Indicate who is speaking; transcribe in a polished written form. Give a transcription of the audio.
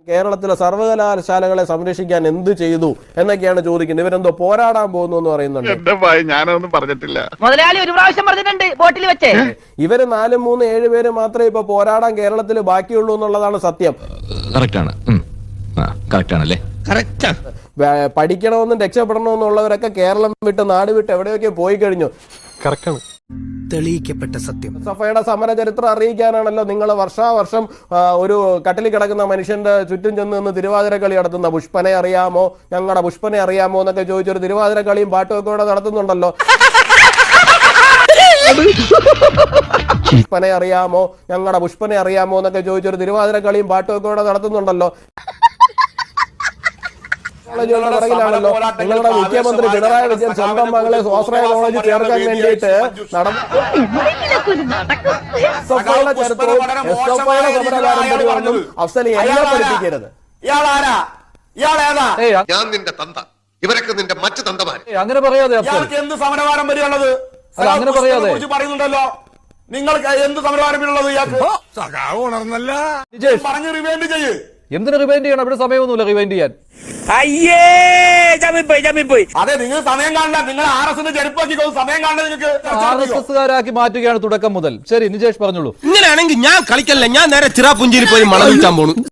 Speaker 1: കേരളത്തിലെ സർവകലാശാലകളെ സംരക്ഷിക്കാൻ എന്ത് ചെയ്തു എന്നൊക്കെയാണ് ചോദിക്കുന്നത്. ഇവരെന്തോ പോരാടാൻ പോകുന്നു എന്ന് പറയുന്നുണ്ട്.
Speaker 2: ഞാനൊന്നും പറഞ്ഞിട്ടില്ല.
Speaker 3: മുതലാളി ഒരു പ്രാവശ്യം പറഞ്ഞിട്ടുണ്ട് ബോട്ടിൽ വെച്ച്.
Speaker 1: ഇവര് 4, 3, 7 പേര് മാത്രമേ ഇപ്പൊ പോരാടാൻ കേരളത്തിൽ ബാക്കിയുള്ളൂ എന്നുള്ളതാണ് സത്യം. പഠിക്കണമെന്നും രക്ഷപ്പെടണമെന്നുള്ളവരൊക്കെ കേരളം വിട്ട് നാട് വിട്ട് എവിടെയൊക്കെ പോയി കഴിഞ്ഞു.
Speaker 4: തെളിയിക്കപ്പെട്ട സത്യം.
Speaker 1: സഫയുടെ സമര ചരിത്രം അറിയിക്കാനാണല്ലോ നിങ്ങൾ വർഷാവർഷം ഒരു കട്ടിലിൽ കിടക്കുന്ന മനുഷ്യന്റെ ചുറ്റും ചെന്ന് നിന്ന് തിരുവാതിര കളി നടത്തുന്ന. പുഷ്പനെ അറിയാമോ, ഞങ്ങളുടെ പുഷ്പനെ അറിയാമോ എന്നൊക്കെ ചോദിച്ചൊരു തിരുവാതിര കളിയും പാട്ടും ഒക്കെ ഇവിടെ നടത്തുന്നുണ്ടല്ലോ. പുഷ്പനെ അറിയാമോ, ഞങ്ങളുടെ പുഷ്പനെ അറിയാമോ എന്നൊക്കെ ചോദിച്ചൊരു തിരുവാതിര കളിയും പാട്ടും ഒക്കെ ഇവിടെ നടത്തുന്നുണ്ടല്ലോ. ാണല്ലോ നിങ്ങളുടെ മുഖ്യമന്ത്രി പിണറായി വിജയൻ സ്വന്തം മകളെ സ്വാശ്രയ കോളേജിൽ ചേർക്കാൻ വേണ്ടിയിട്ട് അഫ്സൽ എന്നെ പഠിപ്പിക്കരുത്.
Speaker 5: ഞാൻ നിന്റെ തന്ത, ഇവരൊക്കെ നിന്റെ മറ്റു തന്തമാർ.
Speaker 6: അങ്ങനെ പറയാതെ
Speaker 2: എന്ത് സമരവാരം വരെയുള്ളത്
Speaker 6: അങ്ങനെ പറയാതെ
Speaker 2: പറയുന്നുണ്ടല്ലോ. നിങ്ങൾക്ക് എന്ത് സമരവാരമുള്ളത് പറഞ്ഞ് റിവൈൻഡ് ചെയ്യ്.
Speaker 6: എന്തിനു റിവൈൻഡ് ചെയ്യണം? ഇവിടെ സമയമൊന്നുമില്ല റിവൈൻഡ് ചെയ്യാൻ.
Speaker 2: അതെ, നിങ്ങൾ സമയം കാണണ്ട. നിങ്ങൾ RSS ചെരുപ്പാക്കി സമയം കാണണ്ട. നിങ്ങൾക്ക്
Speaker 6: RSSകാരാക്കി മാറ്റുകയാണ് തുടക്കം മുതൽ. ശരി, നിജേഷ് പറഞ്ഞോളൂ.
Speaker 4: ഇങ്ങനെയാണെങ്കിൽ ഞാൻ കളിക്കല്ല, ഞാൻ നേരെ ചിറാപുഞ്ചിയിൽ പോയി മണം വിൽക്കാൻ പോണു.